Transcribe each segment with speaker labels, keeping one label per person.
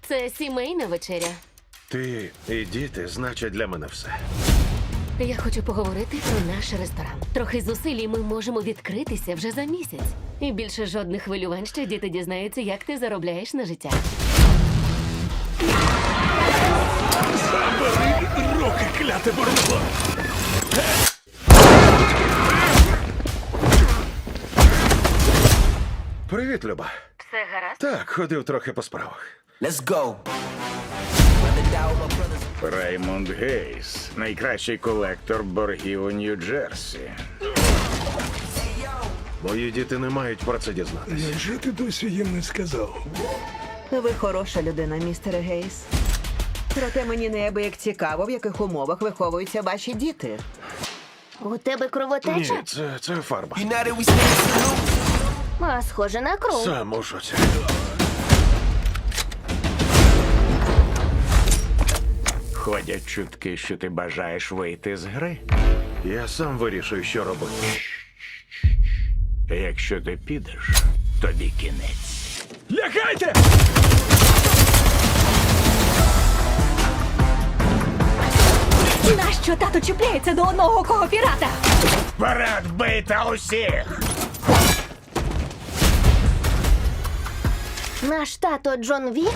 Speaker 1: Це сімейна вечеря.
Speaker 2: Ти і діти значать для мене все.
Speaker 1: Я хочу поговорити про наш ресторан. Трохи зусиль, і ми можемо відкритися вже за місяць. І більше жодних хвилювань, що діти дізнаються, як ти заробляєш на життя.
Speaker 3: Забери руки, кляте бурбо!
Speaker 2: Привіт, Люба.
Speaker 1: Все гаразд?
Speaker 2: Так, ходив трохи по справах.
Speaker 4: Let's go.
Speaker 3: Раймонд Гейс, найкращий колектор боргів у Нью-Джерсі.
Speaker 2: Мої діти не мають про це дізнатися.
Speaker 5: Невже ти досі їм не сказав?
Speaker 6: Ви хороша людина, містере Гейс. Проте мені неабияк цікаво, в яких умовах виховуються ваші діти.
Speaker 7: У тебе
Speaker 2: Ні,
Speaker 7: кровотеча?
Speaker 2: це фарба.
Speaker 4: United we stand salute.
Speaker 7: А, схоже на кров.
Speaker 2: Сам у шоці.
Speaker 3: Ходять чутки, що ти бажаєш вийти з гри.
Speaker 2: Я сам вирішую, що робити.
Speaker 3: Якщо ти підеш, тобі кінець. Лягайте!
Speaker 1: Нащо тато чіпляється до одного кого пірата?
Speaker 3: Вперед бийте усіх!
Speaker 7: Наш тато Джон Вік?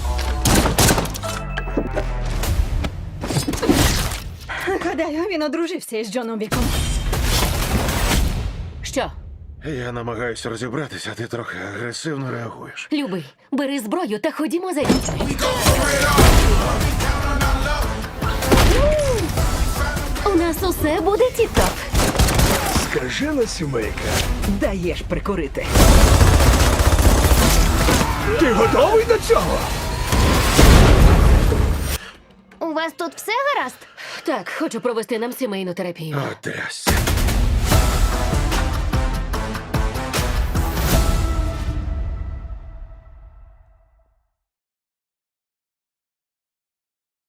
Speaker 1: Гадаю, він одружився із Джоном Віком. Що?
Speaker 2: Я намагаюся розібратися, а ти трохи агресивно реагуєш.
Speaker 1: Любий, бери зброю та ходімо за дітьми. У нас усе буде тіп-топ.
Speaker 5: Скажена сімейка.
Speaker 6: Даєш прикурити.
Speaker 5: Ти готовий до цього?
Speaker 7: У вас тут все гаразд?
Speaker 1: Так, хочу провести нам сімейну терапію.
Speaker 2: О, трясся.